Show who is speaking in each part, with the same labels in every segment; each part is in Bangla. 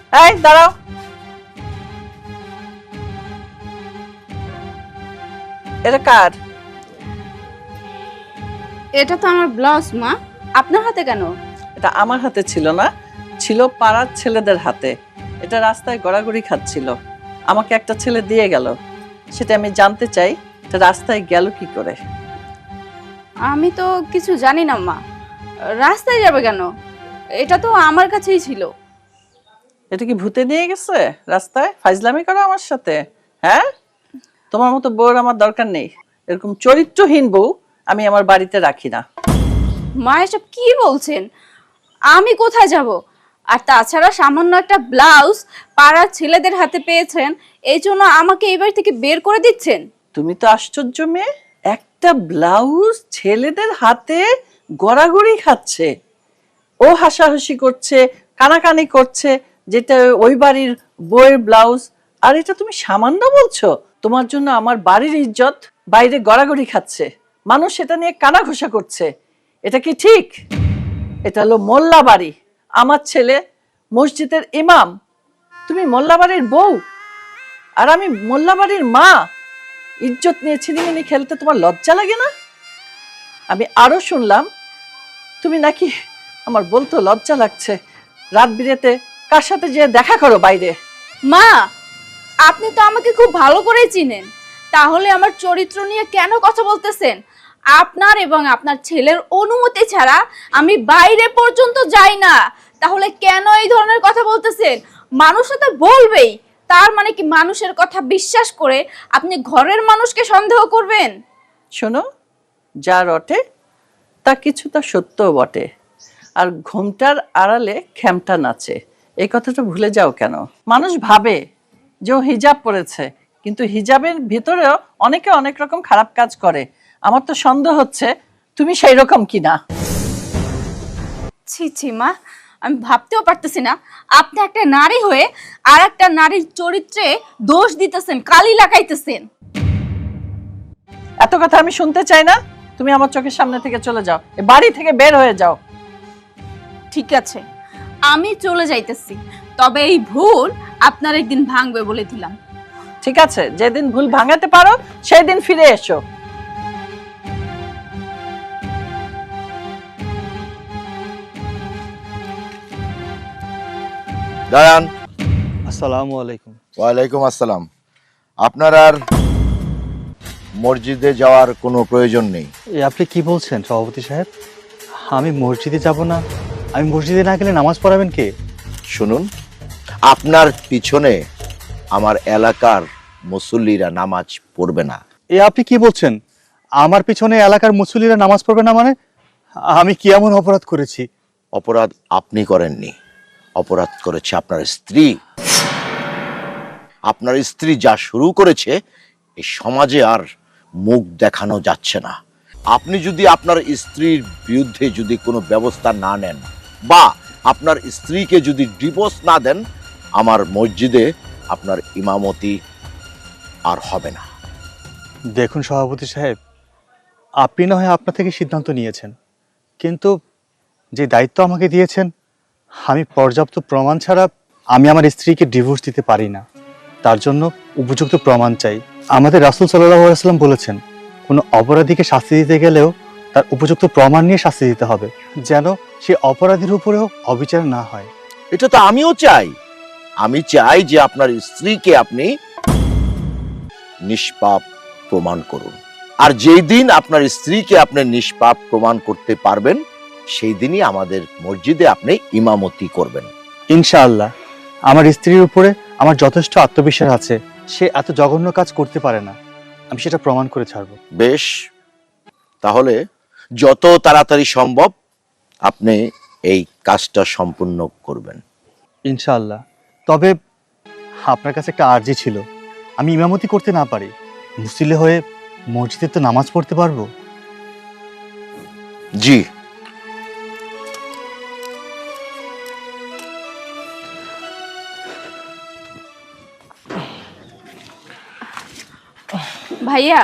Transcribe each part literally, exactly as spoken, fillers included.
Speaker 1: এই দাঁড়াও, এটা কার?
Speaker 2: এটা তো আমার ব্লাউজ মা, আপনার হাতে কেন?
Speaker 1: এটা আমার হাতে ছিল না, ছিল পাড়ার ছেলেদের হাতে। এটা রাস্তায় গড়াগড়ি খাচ্ছিল, আমাকে একটা ছেলে দিয়ে গেল। সেটা আমি জানতে চাই, এটা রাস্তায় গেল কি করে?
Speaker 2: আমি তো কিছু জানি না মা, রাস্তায় যাবে কেন? এটা তো আমার কাছেই ছিল।
Speaker 1: এটা কি ভূতে নিয়ে গেছে রাস্তায়? ফাইজলামি করো আমার সাথে? হ্যাঁ, তোমার মতো বউর আমার দরকার নেই। এরকম চরিত্রহীন বউ আমি আমার বাড়িতে রাখি না।
Speaker 2: মা এসব কি বলছেন? আমি কোথায় যাব? আর তাছাড়া সামান্য একটা ব্লাউজ পাড়ার ছেলেদের হাতে পেয়েছেন, এই জন্য আমাকে এই বাড়ি থেকে বের করে দিচ্ছেন?
Speaker 1: তুমি তো আশ্চর্য মেয়ে, একটা ব্লাউজ ছেলেদের হাতে গড়াগড়ি খাচ্ছে, ও হাসাহাসি করছে, কানাকানি করছে, যেটা ওই বাড়ির বউয়ের ব্লাউজ। আর এটা তুমি সামান্য বলছো? তোমার জন্য আমার বাড়ির ইজ্জত বাইরে গড়াগড়ি খাচ্ছে, মানুষ সেটা নিয়ে কানা ঘোষা করছে। এটা কি ঠিক? এটা হলো মোল্লা বাড়ি, আমার ছেলে মসজিদের ইমাম, তুমি মোল্লা বাড়ির বউ, আর আমি মোল্লা বাড়ির মা। ইজ্জত নিয়ে ছিনিমিনি খেলতে তোমার লজ্জা লাগে না? আমি আরো শুনলাম তুমি নাকি, আমার বলতো লজ্জা লাগছে, রাত বিরেতে কার সাথে যে দেখা করো বাইরে।
Speaker 2: মা, আপনি তো আমাকে খুব ভালো করেই চিনেন, তাহলে আমার চরিত্র নিয়ে কেন কথা বলতেছেন? আপনার এবং আপনার ছেলের অনুমতি ছাড়া আমি বাইরে পর্যন্ত যাই না, তাহলে কেন এই ধরনের কথা বলতেছেন? মানুষ তো বলবেই, তার মানে কি মানুষের কথা বিশ্বাস করে আপনি ঘরের মানুষকে সন্দেহ করবেন?
Speaker 1: শোনো, যা রটে তা কিছুটা সত্যও বটে, আর ঘোমটার আড়ালে খ্যামটা নাচে, এই কথাটা ভুলে যাও কেন? মানুষ ভাবে যে ও হিজাব পরেছে, কিন্তু হিজাবের ভিতরেও অনেকে অনেক রকম খারাপ কাজ করে। আমার তো সন্দেহ হচ্ছে তুমি সেই রকম কিনা।
Speaker 2: ছি ছি মা, আমি ভাবতেও পারতেছি না আপনি একটা নারী হয়ে আর একটা নারীর চরিত্রে দোষ দিতেছেন, কালি লাগাইতেছেন।
Speaker 1: এত কথা আমি শুনতে চাই না, তুমি আমার চোখের সামনে থেকে চলে যাও, এ বাড়ি থেকে বের হয়ে যাও।
Speaker 2: ঠিক আছে, আমি চলে যাইতেছি, তবে এই ভুল আপনার একদিন ভাঙবে বলে দিলাম।
Speaker 1: ঠিক আছে, যেদিন ভুল ভাঙাতে পারো সেই দিন ফিরে এসো।
Speaker 3: দাঁড়ান।
Speaker 4: আসসালামু আলাইকুম।
Speaker 3: ওয়ালাইকুম আসসালাম। আপনার আর মসজিদে যাওয়ার কোনো প্রয়োজন নেই।
Speaker 4: এ আপনি কি বলছেন সভাপতি সাহেব? আমি মসজিদে যাব না? আমি মসজিদে না গেলে নামাজ পড়াবেন কে?
Speaker 3: শুনুন, আপনার পিছনে আমার এলাকার মুসল্লিরা নামাজ পড়বে না।
Speaker 4: এ আপনি কি বলছেন? আমার পিছনে এলাকার মুসল্লিরা নামাজ পড়বে না মানে? আমি কি এমন অপরাধ করেছি?
Speaker 3: অপরাধ আপনি করেননি, অপরাধ করেছে আপনার স্ত্রী। আপনার স্ত্রী যা শুরু করেছে, এই সমাজে আর মুখ দেখানো যাচ্ছে না। আপনি যদি আপনার স্ত্রীর বিরুদ্ধে যদি কোনো ব্যবস্থা না নেন বা আপনার স্ত্রীকে যদি ডিভোর্স না দেন, আমার মসজিদে আপনার ইমামতি আর হবে না।
Speaker 4: দেখুন সভাপতি সাহেব, আপনি না হয় আপনার থেকে সিদ্ধান্ত নিয়েছেন, কিন্তু যে দায়িত্ব আমাকে দিয়েছেন, আমি পর্যাপ্ত প্রমাণ ছাড়া আমি আমার স্ত্রীকে ডিভোর্স দিতে পারি না। তার জন্য উপযুক্ত প্রমাণ চাই। আমাদের রাসূল সাল্লাল্লাহু আলাইহি ওয়াসাল্লাম বলেছেন, কোনো অপরাধীকে শাস্তি দিতে গেলেও তার উপযুক্ত প্রমাণ নিয়ে শাস্তি দিতে হবে, যেন সে অপরাধীর উপরেও অবিচার না হয়।
Speaker 3: এটা তো আমিও চাই। আমি চাই যে আপনার স্ত্রীকে আপনি নিষ্পাপ প্রমাণ করুন, আর যেই দিন আপনার স্ত্রীকে আপনি নিষ্পাপ প্রমাণ করতে পারবেন, সেই দিনই আমাদের মসজিদে আপনি ইমামতি করবেন।
Speaker 4: ইনশাআল্লাহ, আমার স্ত্রীর উপরে আমার যথেষ্ট আত্মবিশ্বাস আছে, সে এত জঘন্য কাজ করতে পারে না। আমি সেটা প্রমাণ করে ছাড়ব।
Speaker 3: বেশ, তাহলে যত তাড়াতাড়ি সম্ভব আপনি এই কাজটা সম্পূর্ণ করবেন।
Speaker 4: ইনশাআল্লাহ। তবে আপনার কাছে একটা আর্জি ছিল, আমি ইমামতি করতে না পারি, মুসল্লি হয়ে মসজিদে তো নামাজ পড়তে পারবো।
Speaker 3: জি।
Speaker 2: ভাইয়া,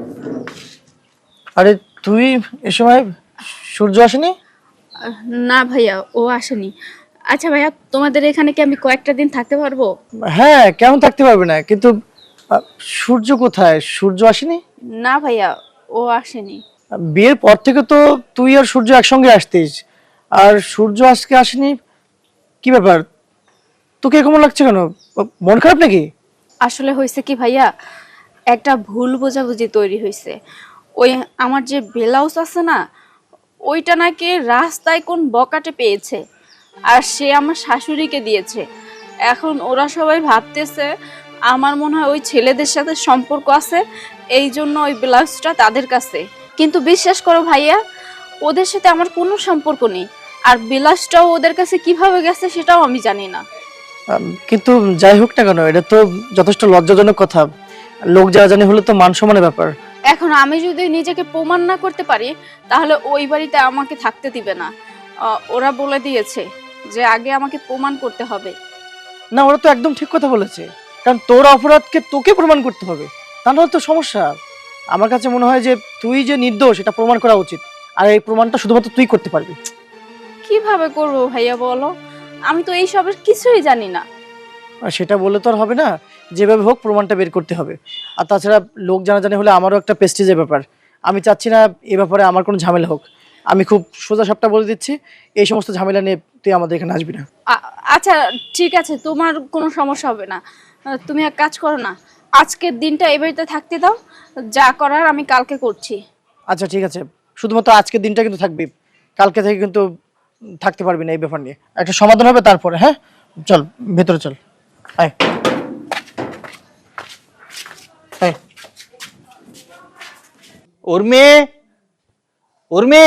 Speaker 5: আরে তুই এ সময়, সূর্য আসেনি?
Speaker 2: না ভাইয়া, ও আসেনি। আচ্ছা ভাইয়া, তোমাদের এখানে কি আমি কয়েকটা দিন থাকতে পারবো?
Speaker 5: হ্যাঁ, কেমন থাকতে পারবে না, কিন্তু আহ, সূর্য কোথায়? সূর্য আসেনি?
Speaker 2: না ভাইয়া, ও আসেনি।
Speaker 5: বিয়ের পর থেকে তো তুই আর সূর্য একসঙ্গে আসতিস, আর সূর্য আজকে আসেনি। কি ব্যাপার, তোকে কেমন লাগছে কেন? মন খারাপ নাকি?
Speaker 2: আসলে হয়েছে কি ভাইয়া, একটা ভুল বোঝাবুঝি তৈরি হয়েছে। ওই আমার যে ব্লাউজ আছে না, ওইটা নাকি রাস্তায় কোন বকাটে পেয়েছে, আর সে আমার শাশুড়িকে দিয়েছে। এখন ওরা সবাই ভাবতেছে আমার মনে হয় ওই ছেলেদের সাথে সম্পর্ক আছে, এই জন্য ওই ব্লাউজটা তাদের কাছে। কিন্তু বিশ্বাস করো ভাইয়া, ওদের সাথে আমার কোনো সম্পর্ক নেই, আর ব্লাউজটাও ওদের কাছে কিভাবে গেছে সেটাও আমি জানি না।
Speaker 5: আম, কিন্তু যাই হোক না কেন, এটা তো যথেষ্ট লজ্জাজনক কথা। লোক যা জানে হলে তো মান সম্মানের ব্যাপার।
Speaker 2: এখন আমি যদি নিজেকে প্রমাণ না করতে পারি, তাহলে ওই বাড়িতে আমাকে থাকতে দিবে না। আহ, ওরা বলে দিয়েছে যে আগে আমাকে প্রমাণ করতে হবে।
Speaker 5: না, ওরা তো একদম ঠিক কথা বলেছে, কারণ তোর অপরাধকে তোকে প্রমাণ করতে হবে, তা নাহলে তো সমস্যা। আমার কাছে মনে হয় যে তুই যে নির্দোষ এটা প্রমাণ করা উচিত, আর এই প্রমাণটা শুধুমাত্র তুই করতে পারবি।
Speaker 2: কিভাবে করবো ভাইয়া বলো, আমি তো এই সবের কিছুই জানি না।
Speaker 5: আর সেটা বললে তো আর হবে না, যেভাবে হোক প্রমাণটা বের করতে হবে। আর তাছাড়া লোক জানাজানি হলে আমারও একটা প্রেস্টিজের ব্যাপার, আমি চাচ্ছি না এ ব্যাপারে আমার কোনো ঝামেলা হোক। আমি খুব সোজা সাপটা বলে দিচ্ছি, এই সমস্ত ঝামেলা নিয়ে তুই আমাদের এখানে আসবি না।
Speaker 2: আ- আচ্ছা ঠিক আছে, তোমার কোনো সমস্যা হবে না। আহ, তুমি এক কাজ করো না, আজকের দিনটা এই বাড়িতে থাকতে দাও, যা করার আমি কালকে করছি।
Speaker 5: আচ্ছা ঠিক আছে, শুধুমাত্র আজকের দিনটা কিন্তু থাকবি, কালকে থেকে কিন্তু থাকতে পারবি না। এই ব্যাপার নিয়ে একটা সমাধান হবে তারপরে। হ্যাঁ, চল ভেতরে চল। আয় আয়।
Speaker 4: উর্মি, উর্মি।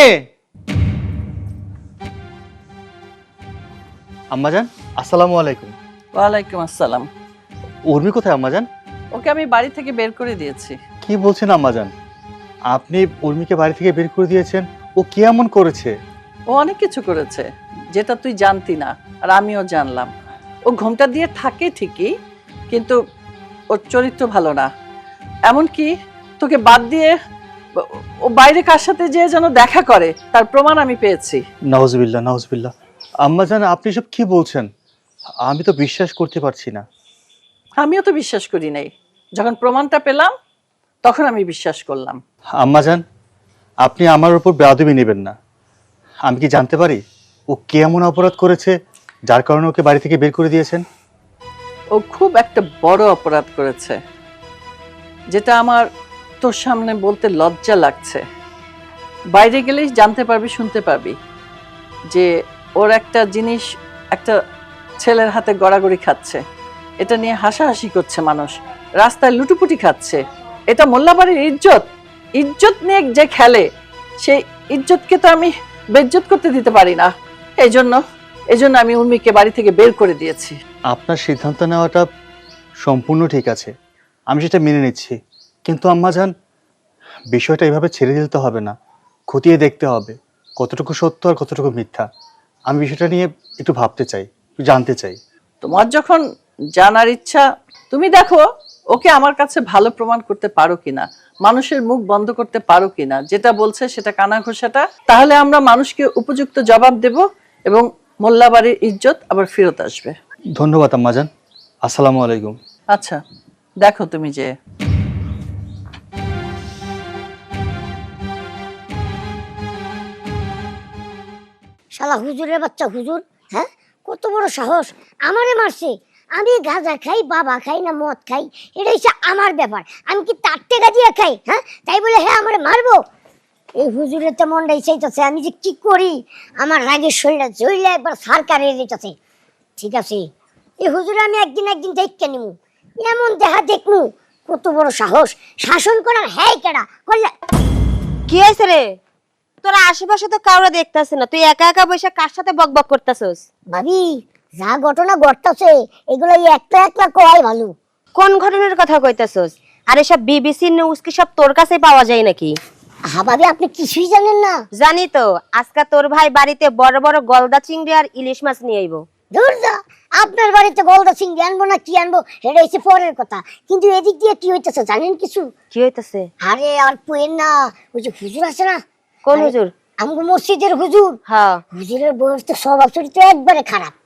Speaker 4: আম্মাজান, আসসালামু আলাইকুম।
Speaker 1: ওয়ালাইকুম আসসালাম।
Speaker 4: উর্মি কোথায় আম্মাজান?
Speaker 1: ওকে আমি বাড়ি থেকে বের করে দিয়েছি।
Speaker 4: কি বলছেন আম্মাজান? আপনি উর্মিকে বাড়ি থেকে বের করে দিয়েছেন? ও কি এমন করেছে?
Speaker 1: ও অনেক কিছু করেছে যেটা তুই জানতি না, আর আমিও জানলাম। ও ঘোমটা দিয়ে থাকে ঠিকই, কিন্তু ওর চরিত্র ভালো না। এমনকি তোকে বাদ দিয়ে ও- ও বাইরে কার সাথে যে যেন দেখা করে, তার প্রমাণ আমি পেয়েছি।
Speaker 4: নাউজুবিল্লাহ, নাউজুবিল্লাহ। আম্মাজান, আপনি সব কি বলছেন? আমি তো বিশ্বাস করতে পারছি না।
Speaker 1: আমিও তো বিশ্বাস করি নাই, যখন প্রমাণটা পেলাম তখন আমি বিশ্বাস করলাম।
Speaker 4: আম্মাজান, আপনি আমার উপর বেয়াদবি নেবেন না। আমি কি জানতে পারি ও কি এমন অপরাধ করেছে যার কারণে ওকে বাড়ি থেকে বের করে দিয়েছেন?
Speaker 1: ও খুব একটা বড় অপরাধ করেছে, যেটা আমার তোর সামনে বলতে লজ্জা লাগছে। বাইরে গেলেই জানতে পারবি, শুনতে পারবি যে ওর একটা জিনিস একটা ছেলের হাতে গড়াগড়ি খাচ্ছে, এটা নিয়ে হাসাহাসি করছে মানুষ, রাস্তায় লুটুপুটি খাচ্ছে। এটা মোল্লাবাড়ির ইজ্জত, ইজ্জত নিয়ে যে খেলে সেই ইজ্জতকে তো আমি বেজ্জত করতে দিতে পারি না। এই জন্য এই জন্য আমি উর্মিকে বাড়ি থেকে বের করে দিয়েছি।
Speaker 4: আপনার সিদ্ধান্ত নেওয়াটা সম্পূর্ণ ঠিক আছে, আমি সেটা মেনে নিচ্ছি। কিন্তু আম্মাজান, বিষয়টা এভাবে ছেড়ে দিতে হবে না, খতিয়ে দেখতে হবে কতটুকু সত্য আর কতটুকু মিথ্যা। আমি বিষয়টা নিয়ে একটু ভাবতে চাই, একটু জানতে চাই।
Speaker 1: তোমার যখন জানার ইচ্ছা, তুমি দেখো ওকে আমার কাছে ভালো প্রমাণ করতে পারো কিনা, মানুষের মুখ বন্ধ করতে পারো কিনা, যেটা বলছে সেটা কানা ঘোষাটা। তাহলে আমরা মানুষকে উপযুক্ত জবাব দেব এবং মোল্লাবাড়ির ইজ্জত আবার ফেরত আসবে।
Speaker 4: ধন্যবাদ আম্মাজান, আসসালামু আলাইকুম।
Speaker 1: আচ্ছা দেখো তুমি যে
Speaker 6: শালা হুজুরের বাচ্চা হুজুর, হ্যাঁ কত বড় সাহস, আমারে মারছে। আমি গাঁজা খাই, বাবা খাই না মদ খাই, এটা হচ্ছে আমার ব্যাপার, আমি কি তার টেকা দিয়ে খাই? হ্যাঁ, তাই বলে হ্যাঁ আমারে মারবো? এই হুজুরের তো মনটাই চাইতেছে আমি যে কি করি, আমার রাগের শরীরটা জ্বললে একবার সারকার হয়ে যেতেছে। ঠিক আছে, এই হুজুরে আমি একদিন একদিন দেখতে নিমু, এমন দেখা দেখমু কত বড় সাহস, শাসন করার হ্যাঁ কেডা করলে।
Speaker 7: কি হয়েছে রে? তোরা আশেপাশে তো কাউরে দেখতেছ না, তুই একা একা বসে কার সাথে বকবক করতেছস?
Speaker 6: ভাবি, যা ঘটনা ঘটতেছে এগুলো একলা একলা করাই ভালো।
Speaker 7: কোন ঘটনার কথা কইতাছস? আর এসব বিবিসি নিউজ কি সব তোর কাছে পাওয়া যায় নাকি?
Speaker 6: হ্যাঁ ভাবি, আপনি কিছুই জানেন না।
Speaker 7: জানি তো, আজকে তোর ভাই বাড়িতে বড় বড় গলদা চিংড়ি আর ইলিশ মাছ নিয়ে আইবো।
Speaker 6: দূর যা, আপনার বাড়িতে গলদা চিংড়ি আনবো না কি আনবো এটা হচ্ছে পরের কথা, কিন্তু এদিক দিয়ে কি হইতেছে জানেন কিছু?
Speaker 7: কি হইতাছে?
Speaker 6: আরে আর পুয়েন না, ওই যে হুজুর আছে না,
Speaker 7: কোন হুজুর?
Speaker 6: আমগো মসজিদের হুজুর।
Speaker 7: হ্যাঁ,
Speaker 6: হুজুরের বয়স তো স্বভাব চরিত্র একবারে খারাপ।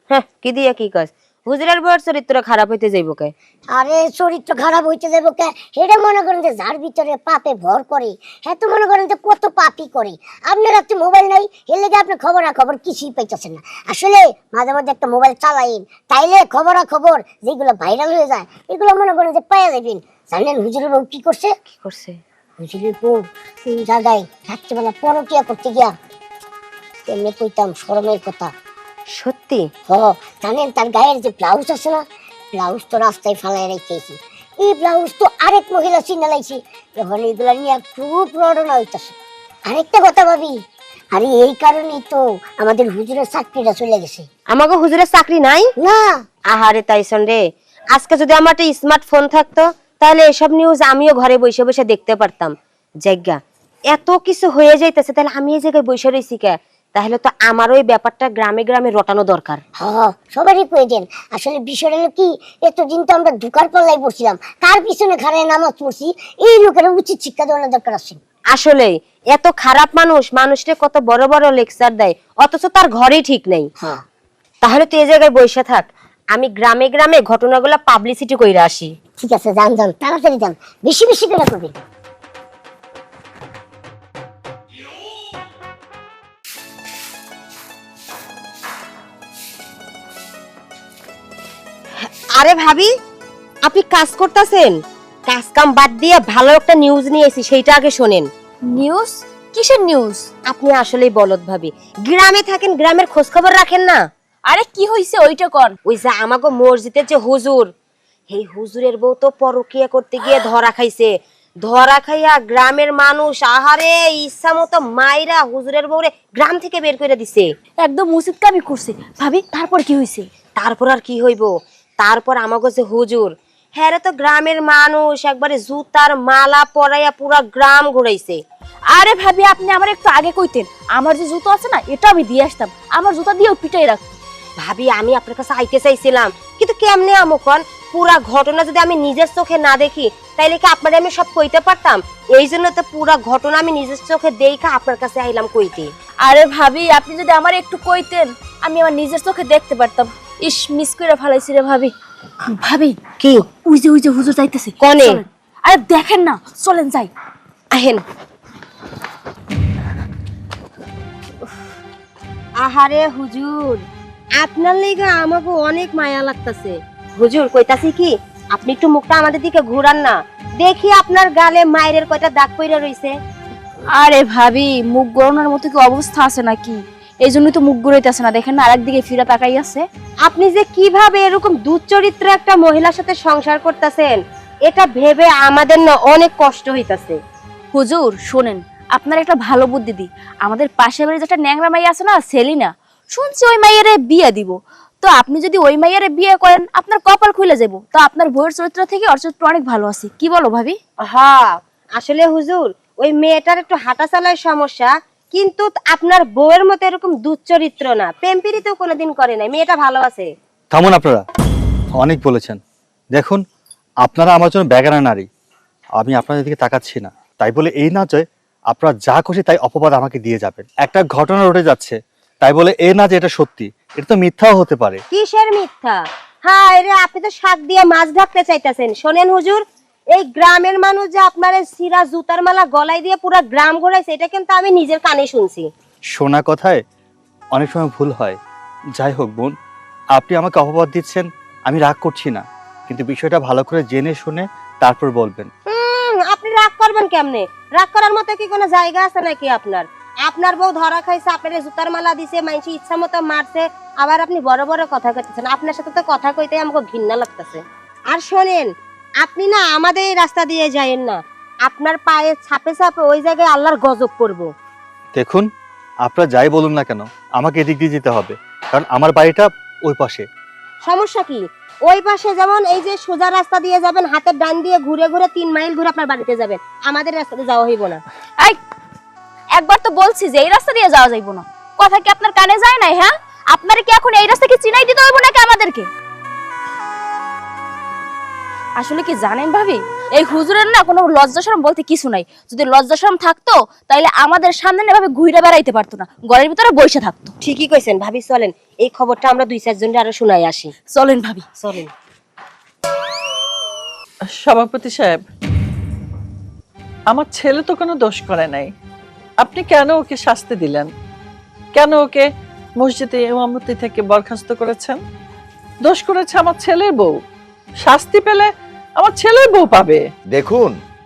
Speaker 7: হ্যাঁ কি দিয়া কি কাজ, হুজুরের বউয়ের চরিত্র খারাপ হইতে যাইব কে?
Speaker 6: আরে চরিত্র খারাপ হইতে যাবো কে? এটা মনে করেন যে যার ভিতরে পাপে ভর করে, হ্যাঁ তো মনে করেন যে কত পাপই করে। আপনার হাতে মোবাইল নাই, এর লেগে আপনি খবরাখবর কিছুই পাইতেছেন না। আসলে মাঝে মাঝে একটা মোবাইল চালাইন, তাইলে খবরাখবর যেগুলো ভাইরাল হয়ে যায় এগুলো মনে করেন যে পাইয়া যাবেন। জানেন হুজুরের বউ কি করছে?
Speaker 7: কি করছে?
Speaker 6: হুজুরের বউ এই জায়গায় রাত্রিবেলা পরকিয়া করতে গিয়া, এমনি কইতাম শরমের কথা।
Speaker 7: সত্যি?
Speaker 6: হ, জানেন তার গায়ের যে ব্লাউজ আছে না, ব্লাউজ তো রাস্তায় ফালাই রেখেছি। এই ব্লাউজ তো আরেক মহিলা চিনে লাইছি। এখন এগুলা নিয়ে খুব রড়না হইতেছে। আরেকটা কথা ভাবি, আরে এই কারণেই তো আমাদের হুজুরের চাকরিটা চলে গেছে।
Speaker 7: আমাকে হুজুরের চাকরি নাই?
Speaker 6: না,
Speaker 7: আহারে তাইছন রে, আজকে যদি আমার একটা স্মার্টফোন থাকতো তাহলে এসব নিউজ আমিও ঘরে বসে বসে দেখতে পারতাম। জায়গা এত কিছু হয়ে যাইতেছে, তাহলে আমি এই জায়গায় বসে রয়েছি কে? তাহলে তো আমার ওই ব্যাপারটা গ্রামে গ্রামে রটানো দরকার।
Speaker 6: হ্যাঁ সবারই প্রয়োজন। আসলে বিষয়টা হলো কি, এতদিন তো আমরা ঢুকার পাল্লাই পড়ছিলাম, কার পিছনে খাড়ায় নামাজ পড়ছি। এই লোকের উচিত শিক্ষা দেওয়ার দরকার আছে।
Speaker 7: আসলে এত খারাপ মানুষ মানুষকে কত বড় বড় লেকচার দেয়, অথচ তার ঘরেই ঠিক নেই।
Speaker 6: হ্যাঁ
Speaker 7: তাহলে তুই এই জায়গায় বসে থাক, আমি গ্রামে গ্রামে ঘটনাগুলো পাবলিসিটি কইরা আসি।
Speaker 6: ঠিক আছে, যান যান, তাড়াতাড়ি যান, বেশি বেশি করে করবেন।
Speaker 7: আরে ভাবি, আপনি কাজ করতেছেন? কাজ কাম বাদ দিয়ে ভালো একটা নিউজ নিয়ে এসেছি, সেইটা আগে শোনেন।
Speaker 2: নিউজ? কিসের নিউজ?
Speaker 7: আপনি আসলেই বলদ ভাবি, গ্রামে থাকেন, গ্রামের খোঁজ খবর রাখেন না?
Speaker 2: আরে কি হইছে ওইটা কোন?
Speaker 7: ওই যে আমাগো মসজিদের যে হুজুর, এই হুজুরের বউ তো পরকিয়া করতে গিয়ে ধরা খাইছে। ধরা খাইয়া গ্রামের মানুষ আহারে ইচ্ছা মতো মাইরা হুজুরের বউরে গ্রাম থেকে বের করে দিছে।
Speaker 2: একদম উচিত কামই করছে। ভাবি তারপর কি হইছে?
Speaker 7: তারপর আর কি হইব, তারপর আমাগো যে হুজুর, হ্যাঁ তো গ্রামের মানুষ একবারে জুতার মালা পরাইয়া পুরা গ্রাম ঘুরাইছে।
Speaker 2: আরে ভাবি আপনি আমার একটু আগে কইতেন, আমার যে জুতো আছে না এটা আমি দিয়ে আসতাম, আমার জুতা দিয়েও পিটাই রাখতো।
Speaker 7: ভাবি আমি আপনার কাছে আইতে চাইছিলাম, কিন্তু কেমনে আমকন পুরা ঘটনা যদি আমি নিজের চোখে না দেখি তাইলে কি আপনারে আমি সব কইতে পারতাম? এই জন্য তো পুরা ঘটনা আমি নিজের চোখে দেখা আপনার কাছে আইলাম কইতে।
Speaker 2: আরে ভাবি আপনি যদি আমার একটু কইতেন আমি আমার নিজের চোখে দেখতে পারতাম। ইস, মিস করে ফেলাইছি রে ভাবি। ভাবি
Speaker 7: কি?
Speaker 2: ওই যে ওই যে হুজুর যাইতেছে।
Speaker 7: কোনে?
Speaker 2: চলেন। আরে দেখেন না, চলেন যাই।
Speaker 7: আহেন। আহারে হুজুর, আপনার লেগে আমাকে অনেক মায়া লাগতাছে। হুজুর কইতাছি কি, আপনি একটু মুখটা আমাদের দিকে ঘুরান না, দেখি আপনার গালে মায়ের কয়টা দাগ পইরা রইছে।
Speaker 2: আরে ভাবি মুখ গড়ানোর মতো কি অবস্থা আছে নাকি? এই জন্যই তো মুখ ঘুরাইতেছে না, দেখেন না আরেকদিকে ফিরা তাকাই আছে।
Speaker 7: আপনি যে কিভাবে এরকম দুচরিত্র একটা মহিলার সাথে সংসার করতেছেন এটা ভেবে আমাদের না অনেক কষ্ট হইতাছে।
Speaker 2: হুজুর শোনেন, আপনার একটা ভালো বুদ্ধি দি। আমাদের পাশের বাড়ির যেটা ন্যাংরা মাইয়া আছে না, সেলিনা, শুনছি ওই মাইয়ারে বিয়ে দিব। তো আপনি যদি ওই মাইয়ারে বিয়ে করেন আপনার কপাল খুলে যাবো। তো আপনার বউয়ের চরিত্র থেকে ওর চরিত্র অনেক ভালো আছে, কি বলো ভাবি?
Speaker 7: হ্যাঁ আসলে হুজুর ওই মেয়েটার একটু হাঁটা চালায় সমস্যা, কিন্তু আপনার বউয়ের মতো এরকম দুচরিত্র না, প্রেম প্রীতিও কোনোদিন করে নাই, মেয়েটা ভালো আছে।
Speaker 4: থামুন আপনারা, অনেক বলেছেন। দেখুন আপনারা আমার জন্য বেগানা নারী, আমি আপনাদের দিকে তাকাচ্ছি না, তাই বলে এই না যে আপনারা যা খুশি তাই অপবাদ আমাকে দিয়ে যাবেন। একটা ঘটনা ঘটে যাচ্ছে তাই বলে এ না যে এটা সত্যি, এটা তো মিথ্যাও হতে পারে।
Speaker 7: কিসের মিথ্যা? হ্যাঁ রে, আপনি তো শাক দিয়ে মাছ ঢাকতে চাইতেছেন। শোনেন হুজুর, এই গ্রামের মানুষ যে আপনার সিরা জুতার মালা গলায় দিয়ে পুরো গ্রাম ঘোরাইছে এটা কিন্তু আমি নিজের কানে শুনছি।
Speaker 4: শোনা কথায় অনেক সময় ভুল হয়। যাই হোক বোন, আপনি আমাকে অপবাদ দিচ্ছেন, আমি রাগ করছি না, কিন্তু বিষয়টা ভালো করে জেনে শুনে তারপর বলবেন।
Speaker 7: হুম, আপনি রাগ করবেন কেমনে? রাগ করার মতো কি কোনো জায়গা আছে নাকি আপনার? আপনার বউ ধরা খাইছে, আপনার জুতার মালা দিছে, মানুষ ইচ্ছা মতো মারছে, আবার আপনি বড় বড় কথা কইতেছেন। আপনার সাথে তো কথা কইতে আমাকে ঘৃণা লাগতেছে। আর শোনেন, আপনি না আমাদের এই রাস্তা দিয়ে যায়েন না, আপনার পায়ে ছাপে ছাপে ওই জায়গায় আল্লাহর গজব পড়বো।
Speaker 4: দেখুন আপনারা যাই বলুন না কেন আমাকে এদিক দিয়ে যেতে হবে, কারণ আমার বাড়িটা ওই পাশে।
Speaker 7: সমস্যা কি? ওই পাশে যেমন এই যে সোজা রাস্তা দিয়ে যাবেন, হাতের ডান দিয়ে ঘুরে ঘুরে তিন মাইল ঘুরে আপনার বাড়িতে যাবেন, আমাদের রাস্তাতে যাওয়া হইব না।
Speaker 2: এই একবার তো বলছি যে এই রাস্তা দিয়ে যাওয়া যাইবো না, কথা কি আপনার কানে যায় নাই? হ্যাঁ, আপনারা কি এখন এই রাস্তা কি চিনাই দিতে হইব নাকি আমাদেরকে? আসলে কি জানেন ভাবি, এই হুজুরের না কোনো লজ্জা শরম বলতে কিছু নাই। যদি লজ্জা শরম থাকতো তাহলে আমাদের সামনে এভাবে ঘুরে বেড়াইতে পারতো না, ঘরের ভিতরে বসে থাকতো।
Speaker 7: ঠিকই কইছেন ভাবি, চলেন এই খবরটা আমরা দুই চারজনের আরো শোনাই আসি।
Speaker 2: চলেন ভাবি,
Speaker 7: চলেন।
Speaker 1: সভাপতি সাহেব, আমার ছেলে তো কোনো দোষ করে নাই, আপনি কেন ওকে শাস্তি দিলেন? কেন ওকে মসজিদে ইমামতি থেকে বরখাস্ত করেছেন? দোষ করেছে আমার ছেলের বউ, শাস্তি পেলে আমার ছেলের বউ পাবে।
Speaker 3: দেখুন,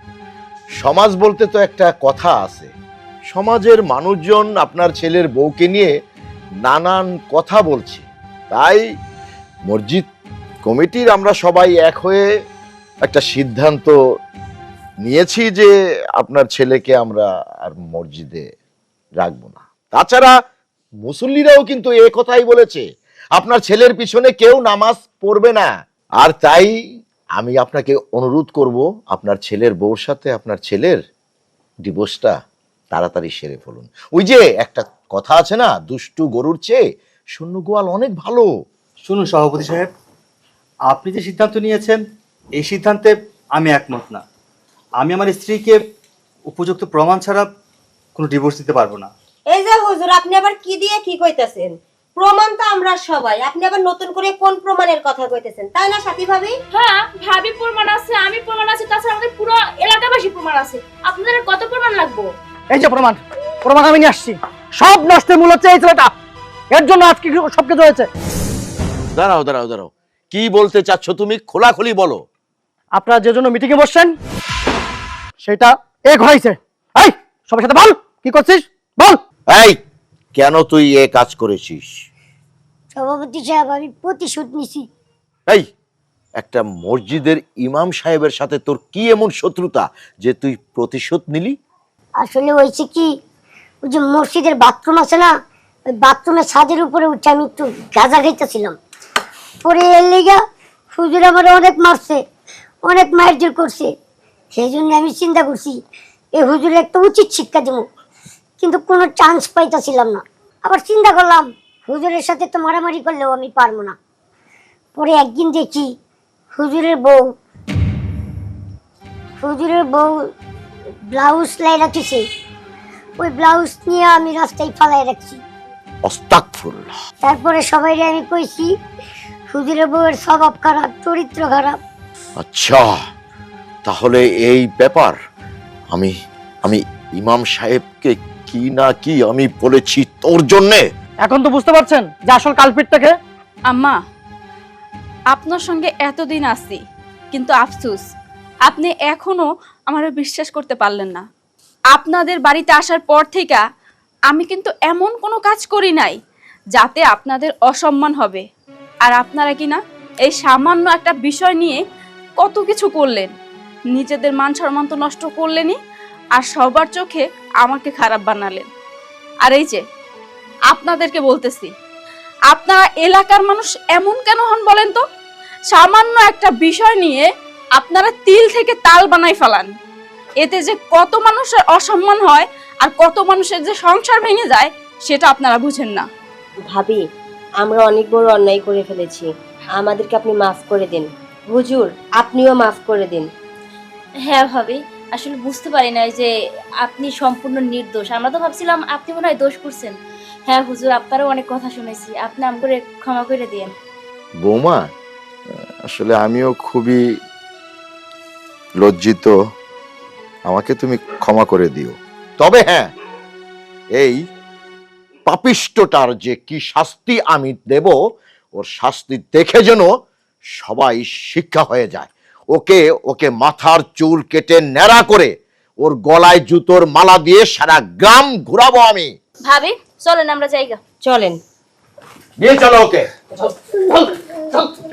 Speaker 3: সমাজ বলতে তো একটা কথা আছে, সমাজের মানুষজন আপনার ছেলের বউকে নিয়ে নানান কথা বলছে, তাই মসজিদ কমিটির আমরা সবাই এক হয়ে একটা সিদ্ধান্ত নিয়েছি যে আপনার ছেলেকে আমরা আর মসজিদে রাখবো না। তাছাড়া মুসল্লিরাও কিন্তু এ কথাই বলেছে, আপনার ছেলের পিছনে কেউ নামাজ পড়বে না। আর তাই আমি আপনাকে অনুরোধ করব, আপনার ছেলের বউর সাথে আপনার ছেলের ডিভোর্সটা তাড়াতাড়ি সেরে ফেলুন। ওই যে একটা কথা আছে না, দুষ্টু গরুর চেয়ে শূন্য গোয়াল অনেক ভালো।
Speaker 4: শুনুন সভাপতি সাহেব, আপনি যে সিদ্ধান্ত নিয়েছেন এই সিদ্ধান্তে আমি একমত না। আমি আমার স্ত্রীকে উপযুক্ত প্রমাণ ছাড়া কোনো ডিভোর্স দিতে পারবো না।
Speaker 7: এই যে হুজুর, আপনি আবার কি দিয়ে কি কইতাছেন? প্রমাণ তো আমরা সবাই, আপনি আবার নতুন করে কোন প্রমাণের কথা কইতেছেন, তাই না সাথী ভাবি?
Speaker 2: হ্যাঁ ভাবি প্রমাণ আছে, আমি প্রমাণ আছে, তাছাড়া আমাদের পুরো এলাকাবাসী প্রমাণ আছে। আপনাদের কত প্রমাণ লাগবে?
Speaker 5: এই যে প্রমাণ, প্রমাণ আমি নিয়ে আসছি। সব নষ্টের মূল হচ্ছে এই ছেলেটা, এর জন্য আজকে সবকিছু হয়েছে।
Speaker 3: দাঁড়াও দাঁড়াও দাঁড়াও, কি বলতে চাচ্ছ তুমি? খোলাখুলি বলো।
Speaker 5: আপনারা যে জন্য মিটিং এ বসছেন সেটা এ ঘটাইছে। এই সবার সাথে বল, কি করছিস বল।
Speaker 3: এই, কেন তুই এ কাজ করেছিস?
Speaker 6: সভাপতি সাহেব, আমি প্রতিশোধ নিছি।
Speaker 3: এই, একটা মসজিদের ইমাম সাহেবের সাথে তোর কি এমন শত্রুতা যে তুই প্রতিশোধ নিলি?
Speaker 6: আসলে হয়েছে কি, ওই যে মসজিদের বাথরুম আছে না, ওই বাথরুমের ছাদের উপরে উঠে আমি একটু গাঁজা খাইতেছিলাম, পরে এর লেগা হুজুর আমার অনেক মারছে, অনেক মারধর করছে। সেই জন্য আমি চিন্তা করছি এই হুজুরের একটা উচিত শিক্ষা দেবো, কিন্তু কোনো চান্স পাইতেছিলাম না। আবার চিন্তা করলাম হুজুরের সাথে তো মারামারি করলেও আমি পারবো না। পরে একদিন দেখি হুজুরের বউ হুজুরের বউ ব্লাউজ লাই রাখছে, ওই ব্লাউজ নিয়ে আমি রাস্তায় ফালাই রাখছি।
Speaker 3: আস্তাগফিরুল্লাহ।
Speaker 6: তারপরে সবাই আমি কইছি হুজুরের বউয়ের স্বভাব খারাপ, চরিত্র খারাপ।
Speaker 3: আচ্ছা, তাহলে এই ব্যাপার আমি আমি ইমাম সাহেবকে কি না কি আমি বলেছি তোর জন্যে।
Speaker 5: এখন তো বুঝতে পারছেন যে আসল কালপিটটাকে।
Speaker 2: আম্মা, আপনার সঙ্গে এতদিন আছি, কিন্তু আফসোস আপনি এখনো আমার বিশ্বাস করতে পারলেন না। আপনাদের বাড়িতে আসার পর থেকে আমি কিন্তু এমন কোনো কাজ করি নাই যাতে আপনাদের অসম্মান হবে। আর আপনারা কি না এই সামান্য একটা বিষয় নিয়ে কত কিছু করলেন, নিজেদের মান সম্মান তো নষ্ট করলেনই, আর সবার চোখে আমাকে খারাপ বানালেন। আর এই যে আপনাদেরকে বলতেছি, আপনারা এলাকার মানুষ এমন কেন হন বলেন তো? সামান্য একটা বিষয় নিয়ে আপনারা তিল থেকে তাল বানাই ফেলান, এতে যে কত মানুষের অসম্মান হয় আর কত মানুষের যে সংসার ভেঙে যায় সেটা আপনারা বুঝেন না।
Speaker 7: ভাবি, আমরা অনেক বড় অন্যায় করে ফেলেছি, আমাদেরকে আপনি মাফ করে দিন। হুজুর, আপনিও মাফ করে দিন।
Speaker 8: হ্যাঁ ভাবি, আসলে বুঝতে পারি না যে আপনি সম্পূর্ণ নির্দোষ। আমরা তো ভাবছিলাম আপনি মনে হয় দোষ করছেন। হ্যাঁ হুজুর, আপনারও অনেক কথা শুনেছি, আপনি আমাকে ক্ষমা করে দিয়েন।
Speaker 3: বৌমা, আসলে আমিও খুবই লজ্জিত, আমাকে তুমি ক্ষমা করে দিও। তবে হ্যাঁ, এই পাপিষ্টটার যে কি শাস্তি আমি দেব, ওর শাস্তি দেখে যেন সবাই শিক্ষা হয়ে যায়। ওকে ওকে মাথার চুল কেটে ন্যাড়া করে ওর গলায় জুতোর মালা দিয়ে সারা গ্রাম ঘুরাবো আমি।
Speaker 8: ভাবি চলেন আমরা জায়গা
Speaker 7: চলেন,
Speaker 3: নিয়ে চলো ওকে।